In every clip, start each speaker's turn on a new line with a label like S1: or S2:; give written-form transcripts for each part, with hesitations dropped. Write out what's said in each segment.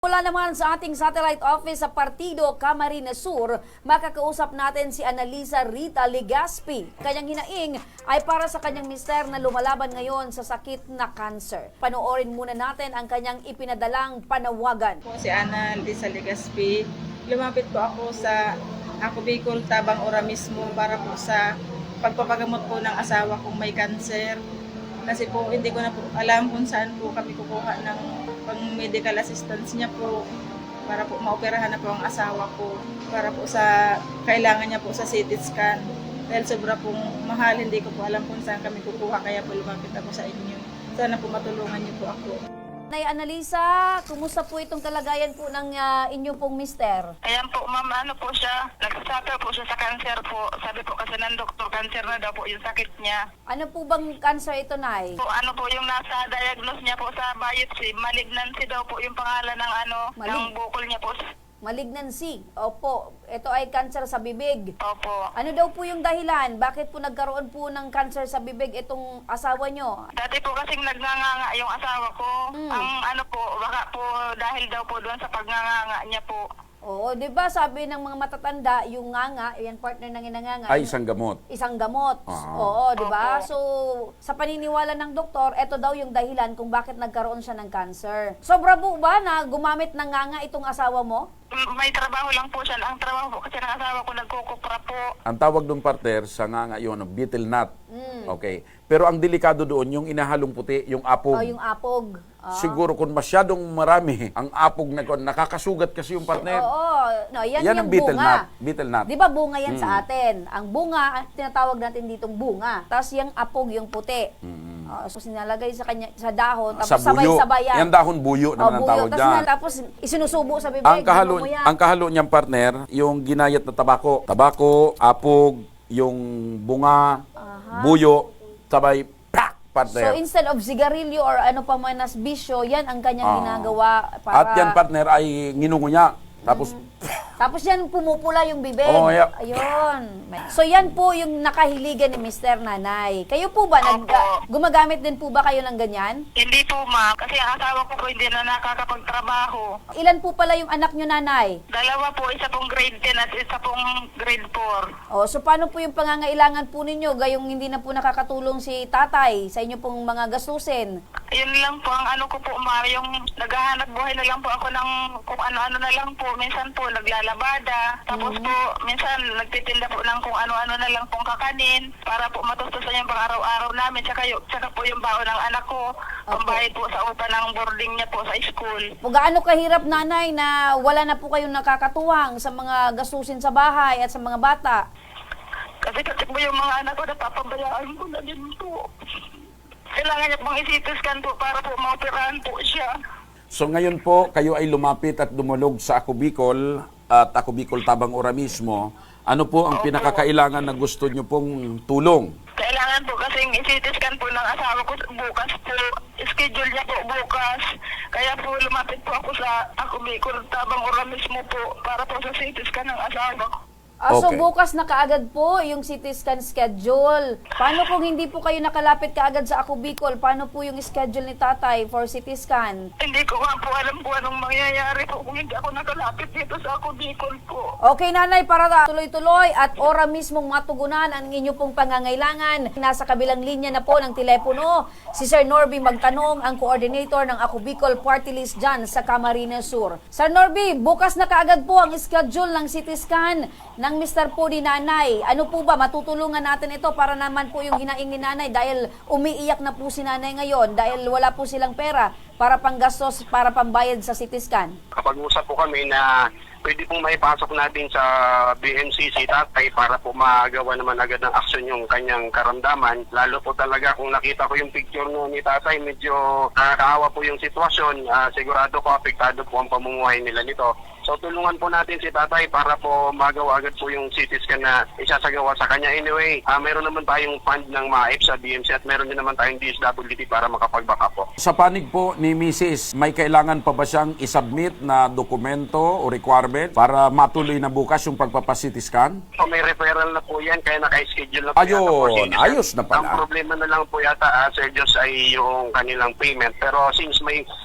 S1: Mula naman sa ating satellite office sa Partido Camarines Sur, makakausap natin si Annalisa Rita Legaspi. Kanyang hinaing ay para sa kanyang mister na lumalaban ngayon sa sakit na cancer. Panoorin muna natin ang kanyang ipinadalang panawagan.
S2: Po si Annalisa Legaspi. Lumapit po ako sa Bicol, Tabang Ora mismo para po sa pagpapagamot po ng asawa kong may cancer. Kasi po hindi ko na po alam kung saan po kami kukuha ng pang-medical assistance niya po para po maoperahan na po ang asawa ko para po sa kailangan niya po sa CT scan. Dahil sobra pong mahal, hindi ko po alam kung saan kami kukuha kaya po lumapit ako sa inyo. Sana po matulungan niyo po ako.
S1: Nay Annalisa, kumusta po itong kalagayan po ng inyong pong mister?
S3: Ayan po, ma'am, ano po siya, nagsasuffer po siya sa cancer po. Sabi po kasi ng doktor, cancer na daw po yung sakit niya.
S1: Ano po bang cancer ito, Nay?
S3: Po, ano po yung nasa diagnose niya po sa biopsy, malignancy daw po yung pangalan ng ng bukol niya po.
S1: Malignancy. Opo, ito ay cancer sa bibig.
S3: Opo.
S1: Ano daw po yung dahilan? Bakit po nagkaroon po ng cancer sa bibig itong asawa nyo?
S3: Dati po kasing nagnganga yung asawa ko. Ang ano po, baka po dahil daw po doon sa pagnganga niya po.
S1: Oo, 'di ba sabi ng mga matatanda, yung nganga, yan partner ng inanganga.
S4: Ay, isang gamot.
S1: Isang gamot.
S4: Ah.
S1: Oo, 'di ba?
S3: Opo.
S1: So, sa paniniwala ng doktor, ito daw yung dahilan kung bakit nagkaroon siya ng cancer. Sobra po ba na gumamit ng nganga itong asawa mo?
S3: May trabaho lang po siya. Ang trabaho po kasi ng asawa ko nagkukupra po.
S4: Ang tawag doon, partner, sa nga yun, betel nut. Okay. Pero ang delikado doon, yung inahalong puti, yung apog.
S1: O yung apog.
S4: Siguro kung masyadong marami, ang apog na nakakasugat kasi yung partner.
S1: Oo, no, yan
S4: Yan
S1: yung
S4: ang betel
S1: bunga.
S4: nut. Betel nut.
S1: 'Di ba bunga yan sa atin? Ang bunga, tinatawag natin ditong bunga. Tapos yung apog, yung puti. So sinalagay sa kanya sa dahon, tapos
S4: Sa buyo.
S1: sabay-sabay yan.
S4: Yan dahon buyo naman ang tawag dyan.
S1: Tapos isinusubo sa bibig.
S4: Ang kahalo niyang partner, yung ginayat na tabako. Tabako, apog, yung bunga, buyo, sabay, pak, partner.
S1: So instead of sigarilyo or ano pa man as bisyo, yan ang kanyang ginagawa para...
S4: At yan, partner, ay nginungunya. Tapos,
S1: Tapos yan pumupula yung bibig.
S4: Oh, yeah.
S1: Ayun. So yan po yung nakahiligan ni Mr. Nanay. Kayo po ba, gumagamit din po ba kayo ng ganyan?
S3: Hindi po, ma'am. Kasi ang asawa ko po hindi na nakakapagtrabaho.
S1: Ilan po pala yung anak nyo, Nanay?
S3: Dalawa po, isa pong grade 10 at isa pong grade 4.
S1: O, so paano po yung pangangailangan po ninyo gayong hindi na po nakakatulong si tatay sa inyo pong mga gastusin?
S3: Yun lang po ang ano ko po, ma'am. Yung naghahanap buhay na lang po ako ng kung ano-ano na lang po. Minsan po naglalabada. Tapos po, minsan nagtitinda po ng kung ano-ano na lang pong kakanin para po matustusan yung pang-araw-araw namin. Tsaka po yung baon ng anak ko. Pambayad po sa upa ng boarding niya po sa school.
S1: O gaano kahirap, Nanay, na wala na po kayong nakakatuwang sa mga gastusin sa bahay at sa mga bata?
S3: Kasi po yung mga anak ko napapabayaan ko na din po. Kailangan niya pong isitiskan po para po maoperahan po siya.
S4: so ngayon po, kayo ay lumapit at dumulog sa Ako Bicol at Ako Bicol Tabang Ora mismo. Ano po ang pinakakailangan na gusto nyo pong tulong?
S3: Kailangan po kasing isitiskan po ng asawa ko bukas po. Schedule niya po bukas. Kaya po lumapit po ako sa Ako Bicol Tabang Ora mismo po para po sa isitiskan ng asawa ko.
S1: So
S4: Okay.
S1: bukas na kaagad po yung CT scan schedule. Paano kung hindi po kayo nakalapit kaagad sa Ako Bicol? Paano po yung schedule ni tatay for CT scan?
S3: Hindi ko nga po alam po anong mangyayari po kung hindi ako nakalapit dito sa Ako Bicol po.
S1: Okay, Nanay, para tuloy-tuloy at ora mismong matugunan ang inyo pong pangangailangan. Nasa kabilang linya na po ng telepono si Sir Norby Magtanong, ang coordinator ng Ako Bicol Party List dyan sa Camarines Sur. Sir Norby, bukas na kaagad po ang schedule ng CT scan ng Mr. po ni Nanay. Ano po ba, matutulungan natin ito para naman po yung hinaing ni Nanay dahil umiiyak na po si Nanay ngayon dahil wala po silang pera para panggastos, para pambayad sa CT scan.
S5: Kapag-usap po kami na pwede pong maipasok natin sa BNCC tatay para po magawa naman agad ng aksyon yung kanyang karamdaman. Lalo po talaga kung nakita ko yung picture no ni tatay, medyo nakakaawa po yung sitwasyon. Sigurado ko apektado po ang pamumuhay nila nito. So tulungan po natin si tatay para po magawa agad po yung CT scan na isasagawa sa kanya. Anyway, meron naman tayong fund ng MAIP sa BMC at meron din naman tayong DSWD para makapag-backup po.
S4: Sa panig po ni Mrs., may kailangan pa ba siyang isubmit na dokumento o requirement para matuloy na bukas yung pagpapacity scan?
S5: So may referral na po yan, kaya naka-schedule na po
S4: Ayun,
S5: yata po. Sige,
S4: ayos na pala.
S5: Ang problema na lang po yata, Sir Diyos, ay yung kanilang payment. Pero since may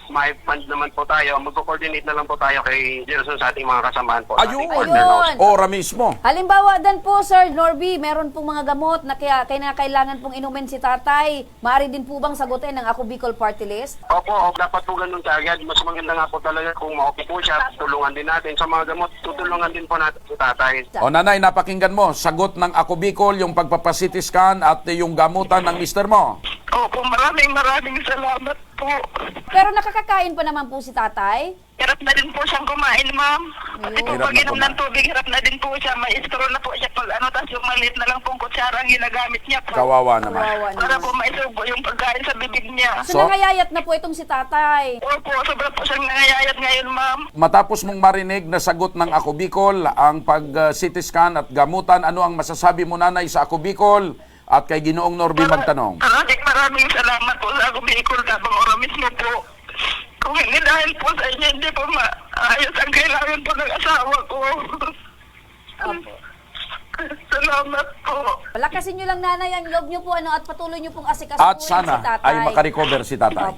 S5: may fund naman po tayo, magko-coordinate na lang po tayo kay Gerson sa ating mga kasamahan po. sa ating
S4: Ayun!
S5: partner house.
S4: Ora mismo.
S1: Halimbawa dan po, Sir Norby, meron pong mga gamot na kailangan pong inumin si tatay. Maaari din po bang sagutin ng Ako Bicol Party List?
S5: Opo, dapat po ganun kaagad. Mas maganda nga po talaga kung maupo po siya, tulungan din natin. Sa mga gamot, tutulungan din po natin si tatay.
S4: O nanay, napakinggan mo, sagot ng Ako Bicol, yung pagpapacity scan at yung gamutan ng mister mo.
S3: Opo, maraming salamat po.
S1: Pero nakakakain pa naman po si tatay?
S3: Hirap na din po siyang kumain, ma'am. Pati po
S4: Hirap
S3: pag
S4: na
S3: inom
S4: kumain.
S3: ng tubig, hirap na din po siya. May straw na po siya pag tapos yung maliit na lang pong kutsara ang ginagamit niya po.
S4: Kawawa naman.
S1: Kawawa
S3: Para
S1: naman.
S3: po maisubo yung pagkain sa bibig niya.
S1: So, nangayayat na po itong si tatay.
S3: Opo, sobra po siyang nangayayat ngayon, ma'am.
S4: Matapos mong marinig na sagot ng Ako Bicol, ang pag-CT scan at gamutan, ano ang masasabi mo nanay sa Ako Bicol at kay Ginoong Norby magtanong?
S3: Maraming salamat po sa Ako Bicol Tabang Ora mismo po. Kung hindi dahil po sa inyo, hindi po maayos ang kailangan po ng asawa ko. Salamat po.
S1: Palakasin nyo lang nanay ang loob nyo po at patuloy nyo pong
S4: At
S1: asikasuhin si
S4: sana
S1: tatay.
S4: ay makarecover si tatay.